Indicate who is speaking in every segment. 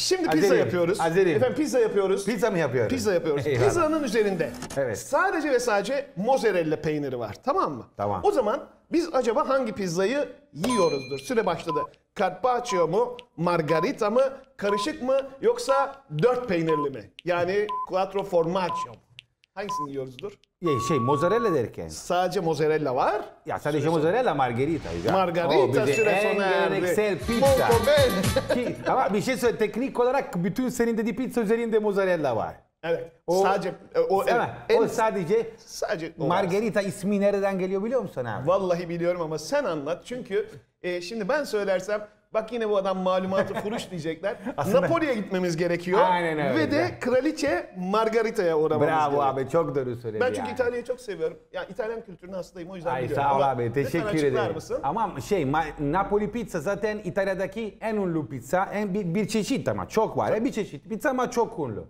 Speaker 1: Şimdi pizza yapıyoruz. Efendim pizza yapıyoruz.
Speaker 2: Pizza mı yapıyoruz?
Speaker 1: Pizza yapıyoruz.
Speaker 2: Eyvallah.
Speaker 1: Pizzanın üzerinde
Speaker 2: evet.
Speaker 1: sadece ve sadece mozzarella peyniri var. Tamam mı?
Speaker 2: Tamam.
Speaker 1: O zaman biz acaba hangi pizzayı yiyoruzdur? Süre başladı. Carpaccio mu, margarita mı, karışık mı yoksa 4 peynirli mi? Yani quattro formaggio mu? Hangisini yiyoruzdur?
Speaker 2: Mozzarella derken.
Speaker 1: Sadece mozzarella var.
Speaker 2: Ya sadece mozzarella margarita.
Speaker 1: Margarita süre sona erdi.
Speaker 2: Geleneksel pizza.
Speaker 1: Molto bene.
Speaker 2: Ama bir şey söyle, teknik olarak bütün senin dediği pizza üzerinde mozzarella var.
Speaker 1: Evet.
Speaker 2: O,
Speaker 1: sadece o sadece
Speaker 2: margarita ismi nereden geliyor biliyor musun abi?
Speaker 1: Vallahi biliyorum ama sen anlat. Çünkü şimdi ben söylersem bak yine bu adam malumatı furuş diyecekler. Napoli'ye gitmemiz gerekiyor.
Speaker 2: Aynen öyle.
Speaker 1: Ve de Kraliçe Margarita'ya uğramamız gerekiyor.
Speaker 2: Bravo abi, çok doğru söyledin.
Speaker 1: Ben çünkü İtalya'yı çok seviyorum. Yani İtalyan kültürüne hastayım, o yüzden biliyorum.
Speaker 2: Sağ ol
Speaker 1: ama
Speaker 2: abi, teşekkür ederim.
Speaker 1: Mısın?
Speaker 2: Ama Napoli pizza zaten İtalya'daki en ünlü pizza. Bir çeşit ama çok var. Bir çeşit pizza ama çok ünlü.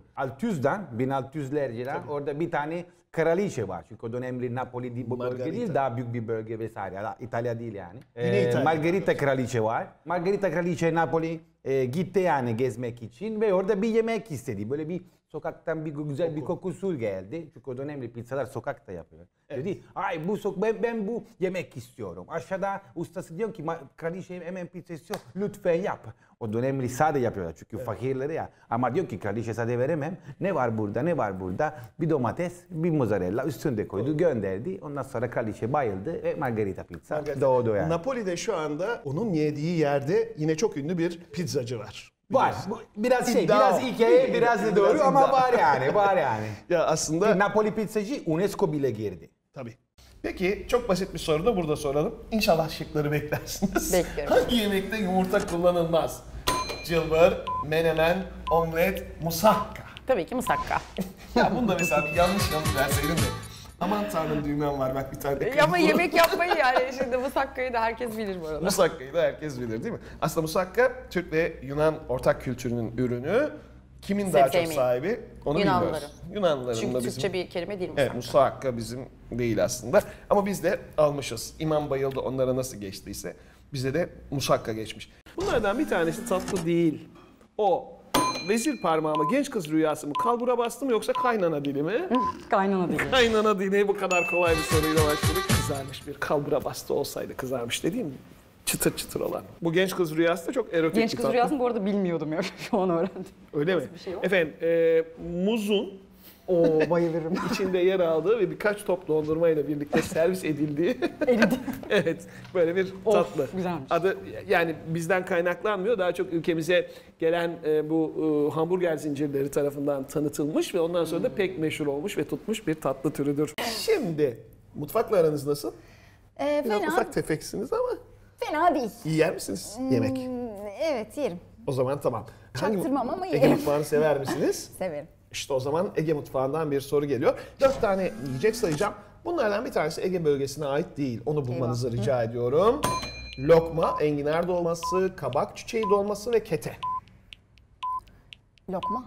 Speaker 2: 1600'lerden orada bir tane kraliçe var. Çünkü o dönemli Napoli bu bölge değil, daha büyük bir bölge vesaire. İtalya değil yani. Margarita kraliçe var. Margarita kraliçe Napoli gitti yani gezmek için ve orada bir yemek istedi. Böyle bir sokaktan bir güzel bir kokusu geldi. Çünkü o dönemli pizzalar sokakta yapıyor. Evet. Dedi, ay ben bu yemek istiyorum. Aşağıda ustası diyor ki kraliçe hemen pizza istiyor. Lütfen yap. O dönemli sade yapıyorlar çünkü fakirleri ya. Ama diyor ki kraliçe sade veremem. Ne var burada? Bir domates, bir mozzarella üstünde koydu, gönderdi. Ondan sonra kraliçe bayıldı ve margarita pizza doğdu yani.
Speaker 1: Napoli'de şu anda onun yediği yerde yine çok ünlü bir pizzacı var.
Speaker 2: Var. Biraz hikaye, biraz da doğru ama var yani.
Speaker 1: Ya aslında
Speaker 2: Napoli pizzacı UNESCO bile girdi.
Speaker 1: Tabii. Peki çok basit bir soru da burada soralım. İnşallah şıkları beklersiniz.
Speaker 3: Bekliyorum.
Speaker 1: Hangi yemekte yumurta kullanılmaz? Cılbır, menemen, omlet, musakka.
Speaker 3: Tabii ki musakka.
Speaker 1: Ya bunda mesela bir yanlış verseydin de. Aman tanrım düğmem var bak bir tane.
Speaker 3: Ama yemek yapmayı yani şimdi musakkayı da herkes bilir bu arada.
Speaker 1: Musakkayı da herkes bilir değil mi? Aslında musakka Türk ve Yunan ortak kültürünün ürünü. Kimin daha çok sahibi onu bilmiyoruz. Yunanlıların.
Speaker 3: Çünkü Türkçe bir kelime değil musakka.
Speaker 1: Evet, musakka bizim değil aslında. Ama biz de almışız. İmam bayıldı onlara nasıl geçtiyse. Bize de musakka geçmiş. Bunlardan bir tanesi tatlı değil. O vezir parmağı mı, genç kız rüyası mı, kalbura bastı mı yoksa kaynana dili mi?
Speaker 3: Kaynana dili.
Speaker 1: Kaynana dili, bu kadar kolay bir soruyla başladık. Kızarmış bir kalbura bastı olsaydı kızarmış dediğim mi? Çıtır çıtır olan. Bu genç kız rüyası da çok erotik
Speaker 3: genç kız rüyasını bu arada bilmiyordum ya. Şu an öğrendim.
Speaker 1: Öyle mi?
Speaker 3: Bir şey yok.
Speaker 1: Efendim muzun
Speaker 3: bayılırım.
Speaker 1: içinde yer aldığı ve birkaç top dondurmayla birlikte servis edildiği. Evet, böyle bir tatlı.
Speaker 3: Güzelmiş.
Speaker 1: Adı yani bizden kaynaklanmıyor. Daha çok ülkemize gelen bu hamburger zincirleri tarafından tanıtılmış ve ondan sonra da pek meşhur olmuş ve tutmuş bir tatlı türüdür. Şimdi mutfakla aranız nasıl? Biraz ufak tefeksiniz ama.
Speaker 4: Fena değil.
Speaker 1: Yer misiniz yemek?
Speaker 4: Evet yerim.
Speaker 1: O zaman tamam.
Speaker 4: Çaktırmam ama
Speaker 1: Ege
Speaker 4: yerim.
Speaker 1: mutfağını sever misiniz?
Speaker 4: Severim.
Speaker 1: İşte o zaman Ege mutfağından bir soru geliyor. 4 tane yiyecek sayacağım. Bunlardan bir tanesi Ege bölgesine ait değil. Onu bulmanızı rica ediyorum. Lokma, enginar dolması, kabak çiçeği dolması ve kete.
Speaker 4: Lokma.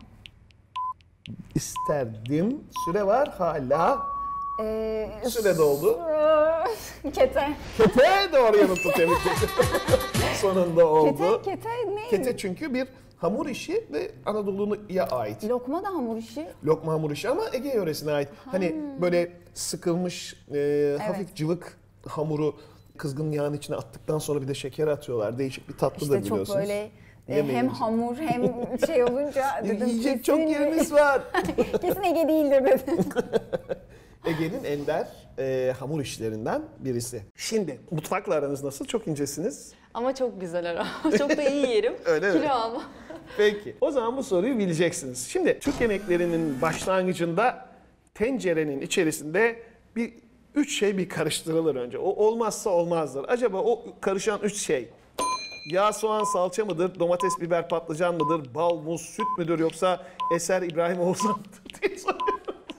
Speaker 1: İsterdim. Süre var hala. Süre doldu.
Speaker 4: Kete.
Speaker 1: Kete doğru yanıtı tebrik ederim. Sonunda oldu.
Speaker 4: Kete ne?
Speaker 1: Kete çünkü bir hamur işi ve Anadolu'ya ait.
Speaker 4: Lokma da hamur işi.
Speaker 1: Lokma hamur işi ama Ege yöresine ait. Hani böyle sıkılmış hafif cıvık hamuru kızgın yağın içine attıktan sonra bir de şeker atıyorlar. Değişik bir tatlı da
Speaker 4: İşte
Speaker 1: biliyorsunuz.
Speaker 4: çok böyle hem hamur hem şey olunca dedim
Speaker 1: yiyecek çok yerimiz var.
Speaker 4: Kesin Ege değildir dedim.
Speaker 1: Ege'nin ender hamur işlerinden birisi. Şimdi mutfakla aranız nasıl? Çok incesiniz.
Speaker 5: Ama çok güzel ara. Çok da iyi yerim.
Speaker 1: Öyle mi?
Speaker 5: Kilo alma.
Speaker 1: Peki. O zaman bu soruyu bileceksiniz. Şimdi Türk yemeklerinin başlangıcında tencerenin içerisinde üç şey bir karıştırılır önce. O olmazsa olmazdır. Acaba o karışan üç şey yağ, soğan, salça mıdır? Domates, biber, patlıcan mıdır? Bal, muz, süt müdür? Yoksa Eser İbrahim Oğuzhan mıdır diye soruyoruz.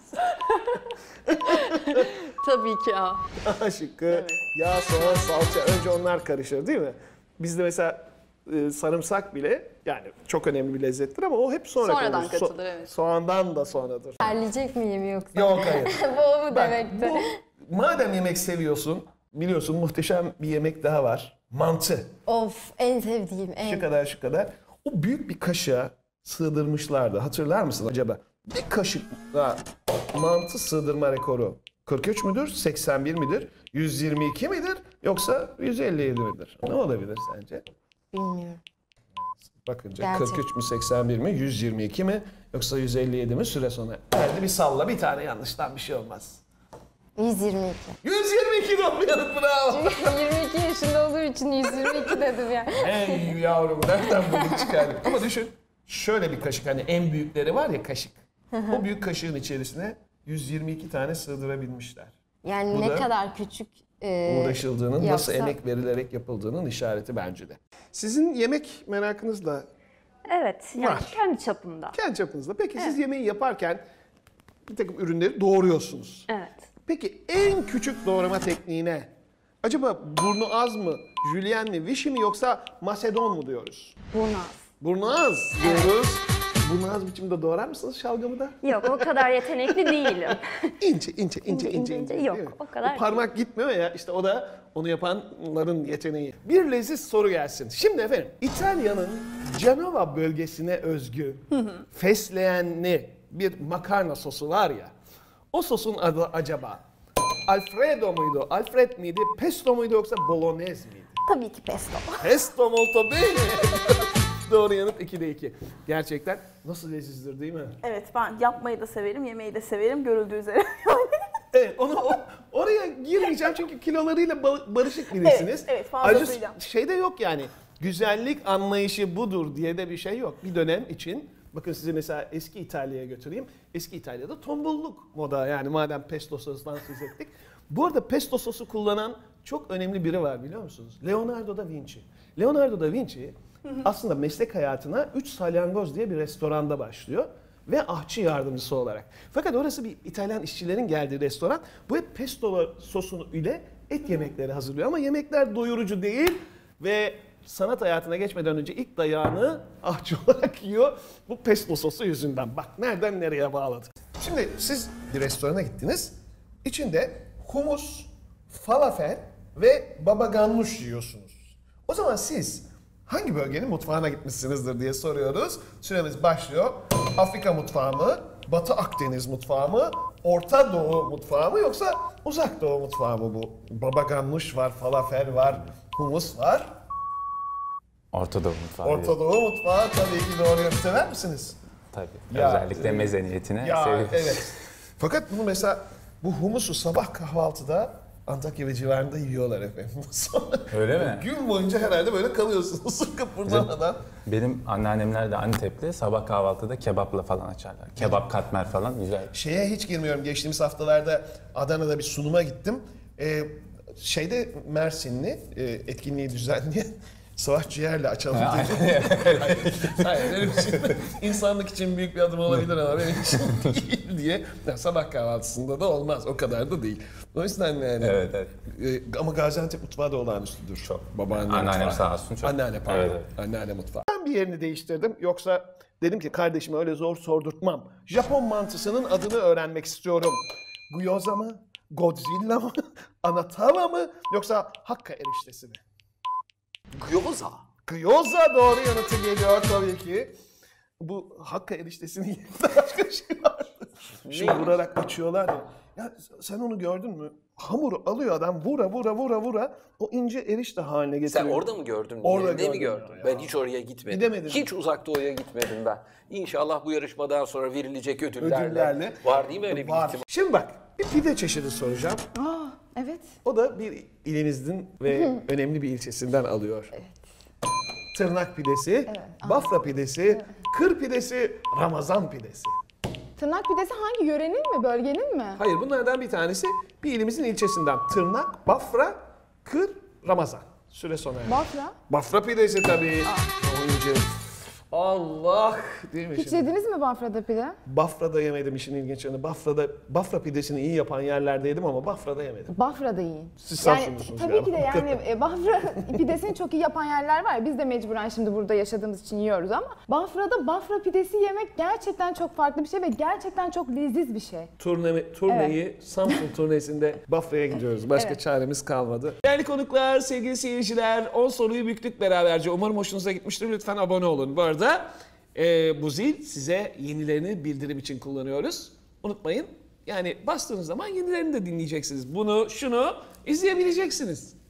Speaker 5: Tabii ki A.
Speaker 1: A şıkkı. Evet. Yağ, soğan, salça. Önce onlar karışır değil mi? Bizde mesela sarımsak bile yani çok önemli bir lezzettir ama o hep
Speaker 5: sonradan katılır. Evet.
Speaker 1: Soğandan da sonradır.
Speaker 4: Terleyecek miyim yoksa?
Speaker 1: Yok hayır.
Speaker 4: Bu mu demekti?
Speaker 1: Madem yemek seviyorsun, biliyorsun muhteşem bir yemek daha var. Mantı.
Speaker 4: Of en sevdiğim.
Speaker 1: Şu kadar. O büyük bir kaşığa sığdırmışlardı. Hatırlar mısın acaba? Bir kaşıkla mantı sığdırma rekoru 43 müdür, 81 midir, 122 midir yoksa 157 midir? Ne olabilir sence?
Speaker 3: Bilmiyorum.
Speaker 1: Bakınca
Speaker 3: Gerçek.
Speaker 1: 43 mü, 81 mi, 122 mi yoksa 157 mi süre sona? Hadi bir salla, bir tane yanlıştan bir şey olmaz.
Speaker 4: 122.
Speaker 1: 122 doğru yanıt, bravo.
Speaker 4: 22 yaşında olduğu için 122 dedim yani.
Speaker 1: Ey yavrum, nereden bunu çıkardın? Ama düşün, şöyle bir kaşık, hani en büyükleri var ya kaşık. O büyük kaşığın içerisine 122 tane sığdırabilmişler.
Speaker 4: Yani
Speaker 1: Bu
Speaker 4: ne
Speaker 1: da
Speaker 4: kadar küçük
Speaker 1: Uğraşıldığının, nasıl
Speaker 4: yapsa-
Speaker 1: emek verilerek yapıldığının işareti bence de. Sizin yemek merakınız da
Speaker 6: Evet, yani
Speaker 1: Var.
Speaker 6: kendi çapımda.
Speaker 1: kendi çapınızda. Peki siz yemeği yaparken bir takım ürünleri doğruyorsunuz.
Speaker 6: Evet.
Speaker 1: Peki en küçük doğrama tekniğine acaba burnu az mı, jülyen mi, vişi mi yoksa masedon mu diyoruz?
Speaker 6: Burnaz.
Speaker 1: Burnu az diyoruz. Burnu az biçimde doğrar mısınız şalgamı da?
Speaker 6: Yok, o kadar yetenekli değilim.
Speaker 1: İnce.
Speaker 6: Yok,
Speaker 1: değil mi?
Speaker 6: o kadar
Speaker 1: parmak gitmiyor ya, işte o da onu yapanların yeteneği. Bir leziz soru gelsin. Şimdi efendim, İtalya'nın Cenova bölgesine özgü fesleğenli bir makarna sosu var ya. O sosun adı acaba Alfredo muydu, Alfred miydi, pesto muydu yoksa bolognese miydi?
Speaker 4: Tabii ki pesto.
Speaker 1: Pesto molto bene. Doğru yanıt 2'de 2. Gerçekten nasıl lezizdir değil mi?
Speaker 7: Evet, ben yapmayı da severim, yemeği de severim görüldüğü üzere.
Speaker 1: Evet, oraya girmeyeceğim çünkü kilolarıyla barışık birisiniz.
Speaker 7: Evet, fazlasıyla.
Speaker 1: Ayrıca şey de yok yani, güzellik anlayışı budur diye de bir şey yok. Bir dönem için, bakın sizi mesela eski İtalya'ya götüreyim. Eski İtalya'da tombulluk moda, yani madem pesto sosundan söz ettik. Bu arada pesto sosu kullanan çok önemli biri var, biliyor musunuz? Leonardo da Vinci. Leonardo da Vinci aslında meslek hayatına 3 Salyangoz diye bir restoranda başlıyor ve ahçı yardımcısı olarak. Fakat orası bir İtalyan işçilerin geldiği restoran. Bu hep pesto sosunu ile et yemekleri hazırlıyor ama yemekler doyurucu değil ve sanat hayatına geçmeden önce ilk dayağını ahçı olarak yiyor bu pesto sosu yüzünden. Bak nereden nereye bağladı. Şimdi siz bir restorana gittiniz. İçinde humus, falafel ve baba ganoush yiyorsunuz. O zaman siz hangi bölgenin mutfağına gitmişsinizdir diye soruyoruz. Süremiz başlıyor. Afrika mutfağı mı, Batı Akdeniz mutfağı mı, Orta Doğu mutfağı mı yoksa Uzak Doğu mutfağı mı bu? Baba ganoush var, falafel var, humus var.
Speaker 8: Orta Doğu mutfağı.
Speaker 1: Orta Doğu mutfağı tabii ki doğru yanıt. Sever misiniz?
Speaker 8: Tabii.
Speaker 1: Ya,
Speaker 8: Özellikle meze niyetine
Speaker 1: Ya
Speaker 8: seviyoruz.
Speaker 1: evet. Fakat bunu mesela bu humusu sabah kahvaltıda Antakya ve civarında yiyorlar efendim. Sonra
Speaker 8: Öyle mi?
Speaker 1: gün boyunca herhalde böyle kalıyorsunuz kıpırdamadan.
Speaker 8: Benim anneannemler de Antepli. Sabah kahvaltıda kebapla falan açarlar. Kebap katmer falan güzel.
Speaker 1: Şeye hiç girmiyorum. Geçtiğimiz haftalarda Adana'da bir sunuma gittim. Şeyde Mersinli etkinliği düzenleyen Savaş Ciğer'le açalım dedi. Hayır, öyle bir şey. İnsanlık için büyük bir adım olabilir ama benim için değil diye. Yani sabah kahvaltısında da olmaz. O kadar da değil. O yüzden yani.
Speaker 8: Evet.
Speaker 1: Ama Gaziantep mutfağı da olağanüstüdür.
Speaker 8: Çok.
Speaker 1: Babaanne
Speaker 8: Anneannem
Speaker 1: mutfağı.
Speaker 8: sağ olsun çok.
Speaker 1: Anneanne pardon.
Speaker 8: Evet, evet.
Speaker 1: Anneanne mutfağı. Ben bir yerini değiştirdim. Yoksa dedim ki kardeşime öyle zor sordurtmam. Japon mantısının adını öğrenmek istiyorum. Gyoza mı? Godzilla mı? Anatama mı? Yoksa Hakka eriştesi mi?
Speaker 9: Gyoza.
Speaker 1: Gyoza doğru yanıtı geliyor tabii ki. Bu Hakka eriştesinin yerinde başka bir şey vardı. Şimdi vurarak açıyorlar ya. Ya sen onu gördün mü? Hamuru alıyor adam vura o ince erişte haline getiriyor.
Speaker 9: Sen orada mı gördün?
Speaker 1: Orada
Speaker 9: Yerinde mi
Speaker 1: gördüm
Speaker 9: gördün?
Speaker 1: ya.
Speaker 9: Ben hiç oraya gitmedim.
Speaker 1: Gidemedim.
Speaker 9: Hiç uzak doğuya gitmedim ben. İnşallah bu yarışmadan sonra verilecek ödüllerle. Var değil mi öyle bir
Speaker 1: Var.
Speaker 9: ihtimal?
Speaker 1: Şimdi bak bir pide çeşidi soracağım.
Speaker 4: Evet.
Speaker 1: O da bir ilimizin ve önemli bir ilçesinden alıyor. Tırnak pidesi, Bafra pidesi, Kır pidesi, Ramazan pidesi.
Speaker 3: Tırnak pidesi hangi yörenin mi, bölgenin mi?
Speaker 1: Hayır, bunlardan bir tanesi bir ilimizin ilçesinden. Tırnak, Bafra, Kır, Ramazan. Süre sona erdi.
Speaker 3: Bafra.
Speaker 1: Bafra pidesi tabii. Oyuncu. Allah değil mi
Speaker 3: Hiç
Speaker 1: şimdi?
Speaker 3: yediniz mi Bafra'da pide?
Speaker 1: Bafra'da yemedim, işin ilginç yanı. Bafra pidesini iyi yapan yerlerde yedim ama Bafra'da yemedim.
Speaker 3: Bafra'da yiyin.
Speaker 1: Siz
Speaker 3: Yani
Speaker 1: Samsunlusunuz
Speaker 3: tabii
Speaker 1: galiba.
Speaker 3: ki de yani Bafra pidesini çok iyi yapan yerler var. Biz de mecburen şimdi burada yaşadığımız için yiyoruz ama Bafra'da Bafra pidesi yemek gerçekten çok farklı bir şey ve gerçekten çok leziz bir şey.
Speaker 1: Turneyi Samsun turnesinde Bafra'ya gidiyoruz. Başka
Speaker 3: Evet.
Speaker 1: çaremiz kalmadı. Değerli konuklar, sevgili seyirciler, 10 soruyu büktük beraberce. Umarım hoşunuza gitmiştir. Lütfen abone olun. Bu arada Bu zil size yenilerini bildirim için kullanıyoruz. Unutmayın. Yani bastığınız zaman yenilerini de dinleyeceksiniz. Bunu, şunu izleyebileceksiniz.